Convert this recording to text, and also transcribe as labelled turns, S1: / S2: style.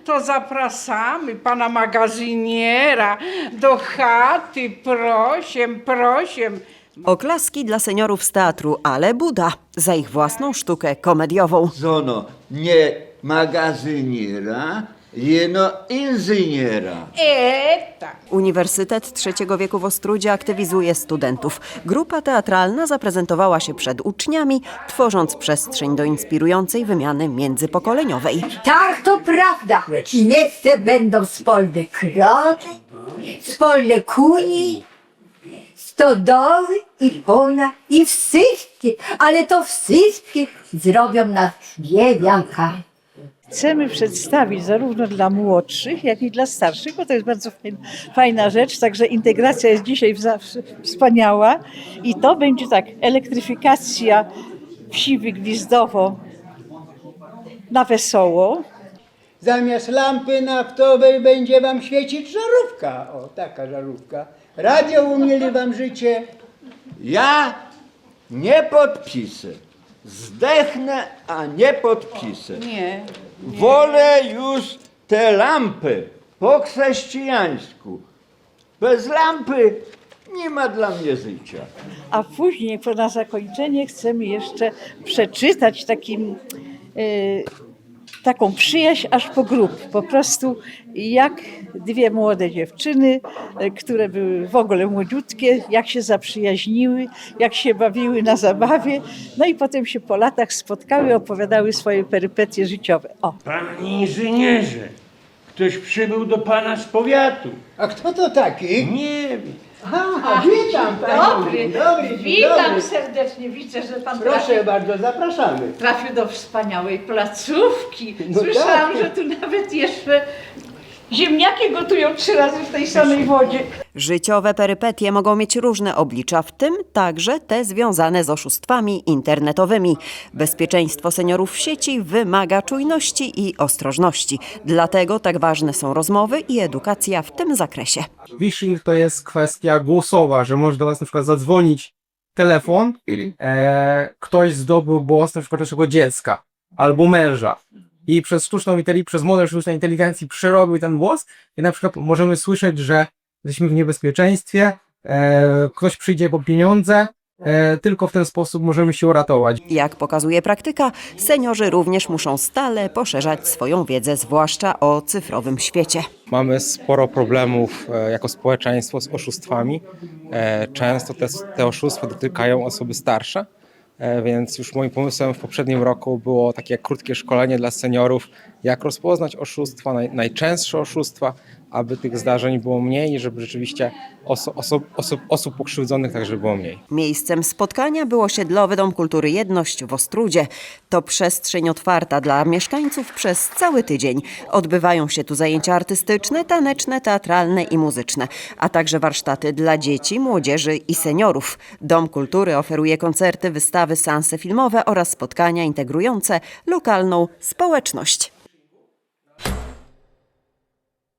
S1: to zapraszamy pana magazyniera do chaty, prosiem.
S2: Oklaski dla seniorów z teatru Ale Buda za ich własną sztukę komediową.
S3: Zono, nie magazyniera, jeno inżyniera.
S1: Tak.
S2: Uniwersytet Trzeciego Wieku w Ostródzie aktywizuje studentów. Grupa teatralna zaprezentowała się przed uczniami, tworząc przestrzeń do inspirującej wymiany międzypokoleniowej.
S4: Tak, to prawda. Miejsce będą wspólne krowy, wspólne kuni, stodoły i pola i wszystkie, ale to wszystkie zrobią nas niewianka.
S5: Chcemy przedstawić zarówno dla młodszych, jak i dla starszych, bo to jest bardzo fajna rzecz, także integracja jest dzisiaj wspaniała i to będzie tak, elektryfikacja wsi Wygwizdowo na wesoło.
S6: Zamiast lampy naftowej będzie wam świecić żarówka. O, taka żarówka. Radio umieli wam życie.
S3: Ja nie podpisę. Zdechnę, a nie podpisę.
S1: Nie.
S3: Wolę już te lampy po chrześcijańsku. Bez lampy nie ma dla mnie życia.
S5: A później na zakończenie chcemy jeszcze przeczytać taką przyjaźń aż po grób. Po prostu jak dwie młode dziewczyny, które były w ogóle młodziutkie, jak się zaprzyjaźniły, jak się bawiły na zabawie. No i potem się po latach spotkały, opowiadały swoje perypetie życiowe. O.
S7: Panie inżynierze, ktoś przybył do pana z powiatu.
S6: A kto to taki?
S7: Nie wiem.
S6: Witam panią. Dzień dobry, dzień dobry.
S5: Serdecznie, widzę, że pan
S6: Proszę bardzo, zapraszamy.
S5: trafił do wspaniałej placówki.
S6: No
S5: Słyszałam,
S6: tak.
S5: że tu nawet jeszcze ziemniaki gotują 3 razy w tej samej wodzie.
S2: Życiowe perypetie mogą mieć różne oblicza, w tym także te związane z oszustwami internetowymi. Bezpieczeństwo seniorów w sieci wymaga czujności i ostrożności. Dlatego tak ważne są rozmowy i edukacja w tym zakresie.
S8: Phishing to jest kwestia głosowa, że może do nas na przykład zadzwonić telefon, ktoś zdobył głos na przykład naszego dziecka albo męża i przez przez model sztucznej inteligencji przerobił ten głos i na przykład możemy słyszeć, że jesteśmy w niebezpieczeństwie, ktoś przyjdzie po pieniądze, tylko w ten sposób możemy się uratować.
S2: Jak pokazuje praktyka, seniorzy również muszą stale poszerzać swoją wiedzę, zwłaszcza o cyfrowym świecie.
S9: Mamy sporo problemów jako społeczeństwo z oszustwami. Często te oszustwa dotykają osoby starsze, więc już moim pomysłem w poprzednim roku było takie krótkie szkolenie dla seniorów, jak rozpoznać oszustwa, najczęstsze oszustwa, aby tych zdarzeń było mniej i żeby rzeczywiście osób pokrzywdzonych także było mniej.
S2: Miejscem spotkania był osiedlowy Dom Kultury Jedność w Ostródzie. To przestrzeń otwarta dla mieszkańców przez cały tydzień. Odbywają się tu zajęcia artystyczne, taneczne, teatralne i muzyczne, a także warsztaty dla dzieci, młodzieży i seniorów. Dom Kultury oferuje koncerty, wystawy, seanse filmowe oraz spotkania integrujące lokalną społeczność.